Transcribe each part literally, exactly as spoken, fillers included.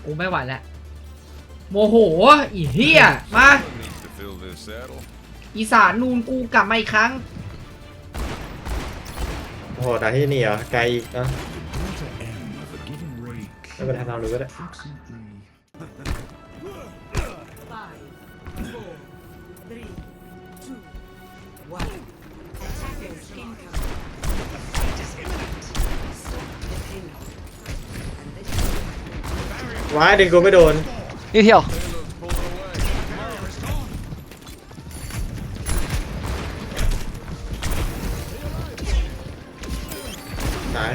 กูไม่ไหวแล้วโมโหอีเหี้ยมาอีสานนูนกูกลับมาอีกครั้งโอ้โหแต่ที่นี่เหรอไกลอีกนะไม่เป็นไรเรารู้ก็ได้ว้ายดึงกูไม่โดนนี่เที่ยวตาย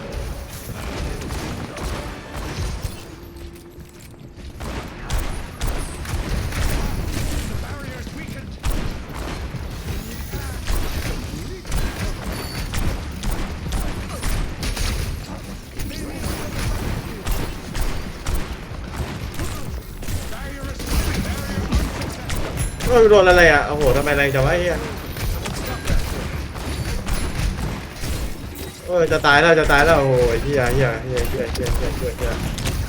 เออโดนอะไรอ่ะโอ้โหทำไมแรงจังวะเฮียเออจะตายแล้วจะตายแล้วโอ้โหเฮียเฮียเฮียเฮียเฮียเฮียเฮียเฮีย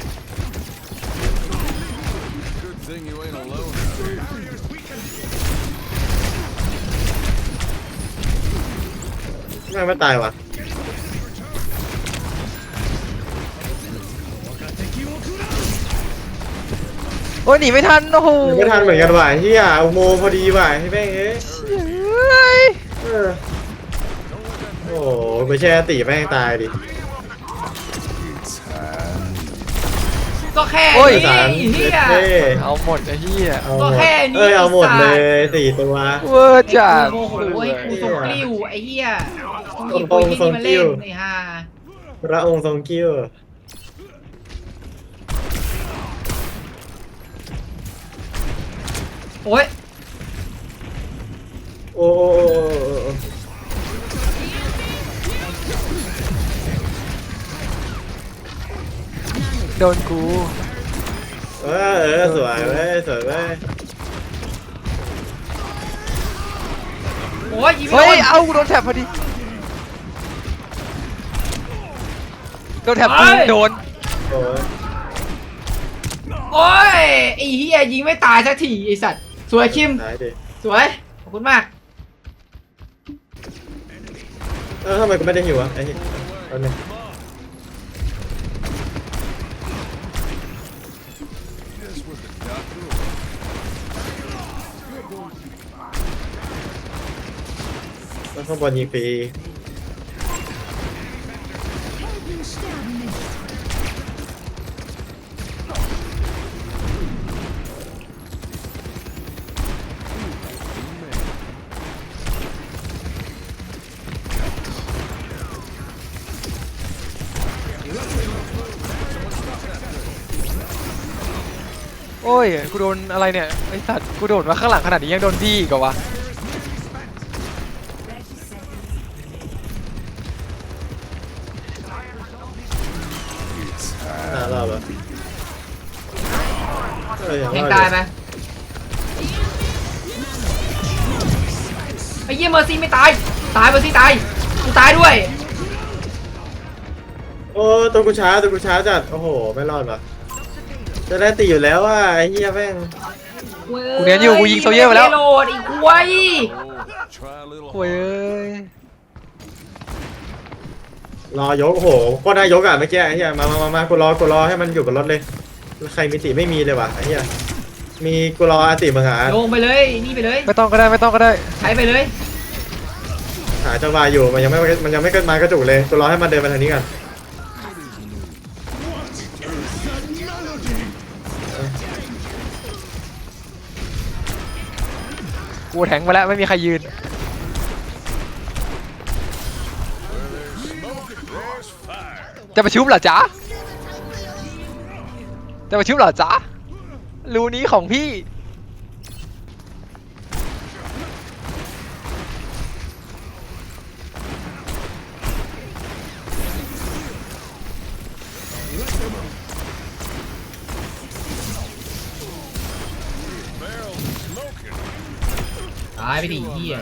ไม่ไม่ตายวะโอ้ยหนีไม่ทันโอ้โหไม่ทันเหมือนกันว่ะเฮียอุโมงค์พอดีว่ะให้แม่งเอ้ยเออโอ้โหไปแช่ตีแม่งตายดิก็แค่นี้เฮียเอาหมดไอ้เฮียก็แค่นี้เอ้ยเอาหมดเลยสี่ตัวเวอร์จัดโอ้โหไอ้กูทรงกลิ้วไอ้เฮียหยิบตัวที่นี่มาเล่นไอ้ห่าพระองค์ทรงกิ้วโอ้ยโอ้โดนกูเออเออสวยเว้ยสวยเว้ยโอ้ยยิงเฮ้ยเอากูโดนแถบพอดีโดนแถบกูโดนโอ้ยโอ้ยไอ้เฮียยิงไม่ตายสักทีไอ้สัตว์สวยคิมสวยขอบคุณมากเออทำไมกูไม่ได้หิวอ่ะไอ้เหี้ยตอนนี้แล้วข้างบนยิงฟรีโอ้ยกูโดนอะไรเนี่ยไอ้สัตว์กูโดดมาข้างหลังขนาดนี้ยังโดนดีอีกเหรอวะน่ารอดปะแทงตายไหมไอ้เยี่ยเมอร์ซี่ไม่ตายตายเมอร์ซี่ตายกูตายด้วยโอ้ตัวกูช้าตัวกูช้าจัดโอ้โหไม่รอดปะจะได้ตีอยู่แล้วว่าไอ้เหี้ยแม่งกูเนียนอยู่กูยิงโซเยอร์ไปแล้วโหลดอีกควายโอ้ยเอ้ยรอยกโอ้โหก็ได้ยกอ่ะเมื่อกี้ไอ้เหี้ยมามามามากูรอกูรอให้มันอยู่บนรถเลยใครมีติไม่มีเลยว่ะไอ้เหี้ยมีกูรออาติมึงหาลงไปเลยนี่ไปเลยไม่ต้องก็ได้ไม่ต้องก็ได้ใช้ไปเลยหาจังหวะอยู่มันยังไม่มันยังไม่เกิดมากระจุกเลยกูรอให้มันเดินมาทางนี้ก่อนกูแทงไปแล้วไม่มีใครยืนจะมาชุบเหรอจ๊ะจะมาชุบเหรอจ๊ะรูนี้ของพี่ตายไปดิเหี้ย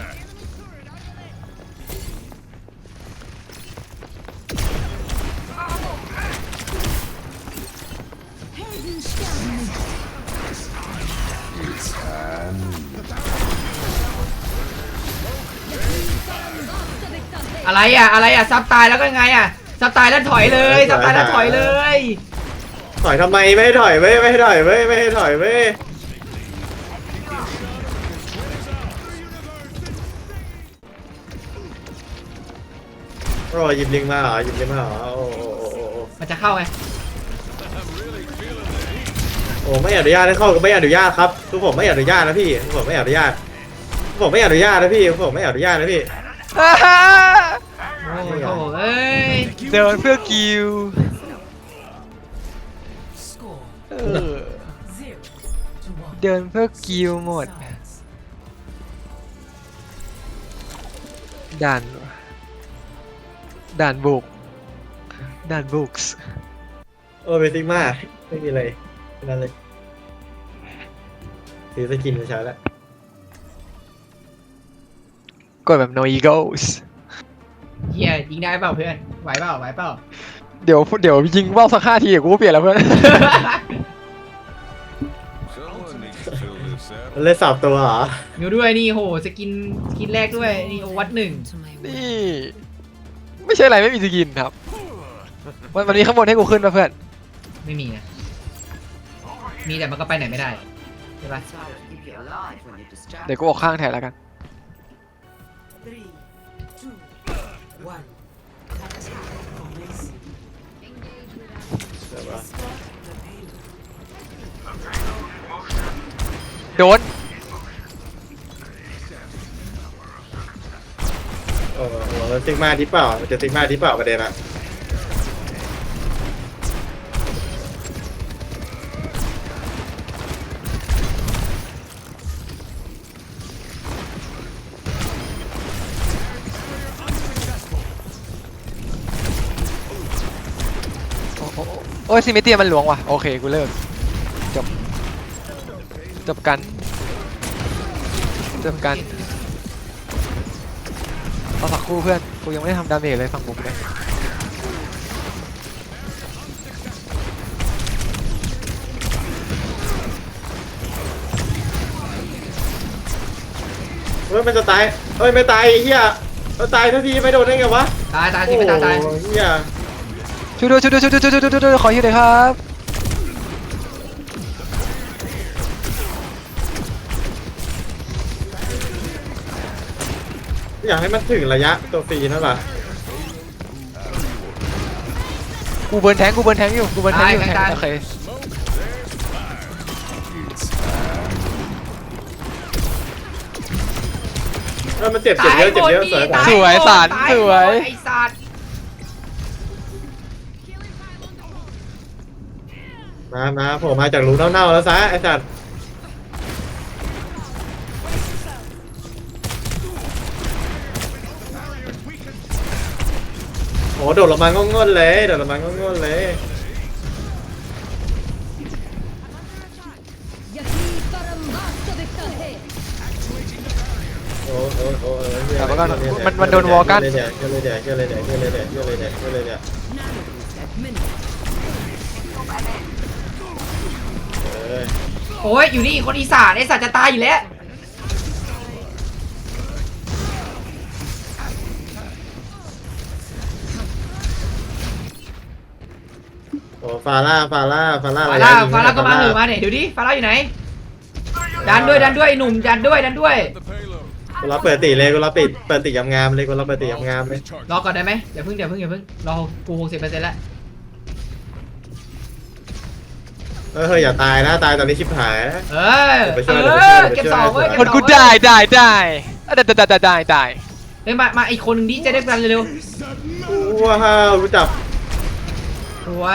อะไรอ่ะอะไรอ่ะซับตายแล้วก็ไงอ่ะซับตายแล้วถอยเลยซับตายแล้วถอยเลยถอยทำไมไม่ให้ถอยเว้ยไม่ให้ถอยเว้ยไม่ให้ถอยเว้ยรอหยิบลิงมาเหรอหยิบลิงมาเหรอโอ้โหโอ้โหโอ้โหมันจะเข้าไงโอ้ไม่อนุญาตให้เข้าก็ไม่อนุญาตครับทุกผมไม่อนุญาตนะพี่ทุกผมไม่อนุญาตทุกผมไม่อนุญาตนะพี่ทุกผมไม่อนุญาตนะพี่โอ้โหเอ้ยเดินเพื่อกิวเออเดินเพื่อกิวหมดด่านด่านบุกด่านบุกส์โอ้เบสิกมากไม่มีอะไรแค่นั้นเลยซื้อสกินมาใช้แล้วกดแบบ no egos เฮียยิงได้เปล่าเพื่อนไหวเปล่าไหวเปล่าเดี๋ยวเดี๋ยวยิงว่าวสักห้าทีกูก็เปลี่ยนแล้วเพื่อน Someone needs to fill this out. มันเล่นสับตัวเหรอมิวด้วยนี่โหสกินสกินแรกด้วยนี่โอวัดหนึ่งนี่ ไม่ใช่อะไรไม่มีสกินครับวันวันนี้ข้างบนให้กูขึ้นป่ะเพื่อนไม่มีนะมีแต่มันก็ไปไหนไม่ได้ใช่ปะเดี๋ยวกูออกข้างแทนแล้วกัน โดนโอ้โหมันซิกมาที่เปล่ามันจะซิกมาที่เปล่าประเด็นอะโอ้โหโอ้ยซิเมเตียมันหลวงว่ะโอเคกูเลิกจบจบกันจบกันเอาสักครู่เพื่อนกูยังไม่ได้ทำดาเมจเลยฝั่งบุกเลยเฮ้ยมันจะตายเฮ้ยไม่ตายไอ้เฮียมันตายทันทีไม่โดนได้ไงวะตายตายสิไม่ตายตายโอ้โหเฮียช่วยด้วยช่วยด้วยช่วยด้วยช่วยด้วยช่วยด้วยขอฮิวหน่อยครับอยากให้มันถึงระยะตัวฟรีนั่นแหละกูเบิร์นแทงกูเบิร์นแทงอยู่กูเบิร์นแทงอยู่แทงโอเคเออมันเจ็บเจ็บเยอะเจ็บเยอะสวยตาสวยสารตาสวยไอ้สัตว์มามาผมมาจากรูเน่าๆแล้วซะไอ้สัตว์โอ้โดดลงมางงๆเลยโดดลงมางงๆเลยโอ้โอ้โอ้เออเหี้ยแต่ว่าก็เหี้ยเหี้ยมันมันโดนวอลกันเหี้ยเหี้ยเลยเดี๋ยวเหี้ยเลยเดี๋ยวเหี้ยเลยเดี๋ยวเหี้ยเลยเดี๋ยวเหี้ยเลยเดี๋ยวเออโอ้ยอยู่นี่คนอีสานไอ้สัตว์จะตายอยู่แล้วโอ้ฟาร่าฟาร่าฟาร่าฟาระยะร่ายิงฟาร่าก็มาเหฟอะมาเนี่ยเดี๋ยวดิฟาร่าอยู่ไหนดันด้วยดันด้วยไอ้หนุ่มดันด้วยดันด้วย The payload. กูรับเปิดตีเลยกูรับปิดเปิดตีงามๆเลยกูรับเปิดตีงามๆเลยรอก่อนได้ไหมอย่าเพิ่งอย่าเพิ่งอย่าเพิ่งรอกูหกสิบเปอร์เซ็นต์แล้วเออเฮ้ยอย่าตายนะตายตอนนี้ชิบหายนะเออเดี๋ยวไปช่เอวยอเดี๋ยวไปช่วยเก็บสองเว้ยเดี๋เก็ยวบไปสช่อวยงกูเว้ยได้ได้ได้อ่ะได้ได้ได้ได้ได้เฮ้ยมามาอีกคนหนึ่งดิจะได้กันเร็วว้าวรู้จับๆสวย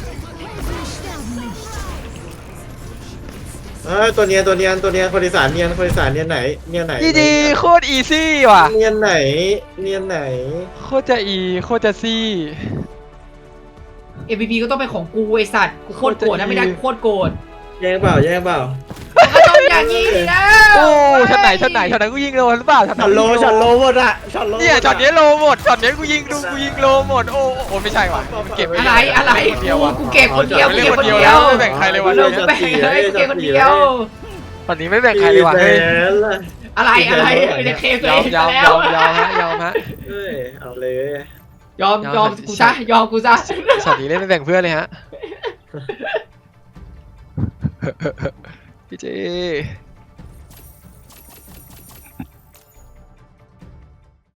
เออตัวเนียนตัวเนียนตัวเนียนคนอีสานเนียนคนอีสานเนียนไหนเนียนไหนดีดีโคตรอีซี่ว่ะเนียนไหนเนียนไหนโคตรจะอีโคตรจะซี่เอ็ม วี พีก็ต้องเป็นของกูไอสัตว์กูโคตรโกรธนะไม่ได้กูโคตรโกรธแย่งเปล่าแย่งเปล่าก็ต้องอย่างนี้ดิแล้วโอ้ช็อตไหนช็อตไหนช็อตไหนกูยิงโลหรือเปล่าช็อตไหนช็อตโลช็อตโลหมดอะช็อตโลเนี่ยช็อตนี้โลหมดช็อตนี้กูยิงดูกูยิงโลหมดโอ้โอ้ไม่ใช่ว่ะเก็บอะไรอะไรคนเดียวกูว่ะกูเก็บคนเดียวกูเล่นเก็บคนคนเดียวเดียวไม่แบ่งใครเลยว่ะกูแบ่งเลยกูเก็บคนเดียวตอนนี้ไม่แบ่งใครเลยว่ะแสเฮ้ยนละอะไรอะไรจะเคลมตัวยอเอมงยอมแล้วยอมยอมฮะยอมฮะเอ้ยเอาเลยยอมยอมกูซะยอมกูซะสัตว์นี้เล่นไม่แบ่งเพื่อนเลยฮะ พี่เจ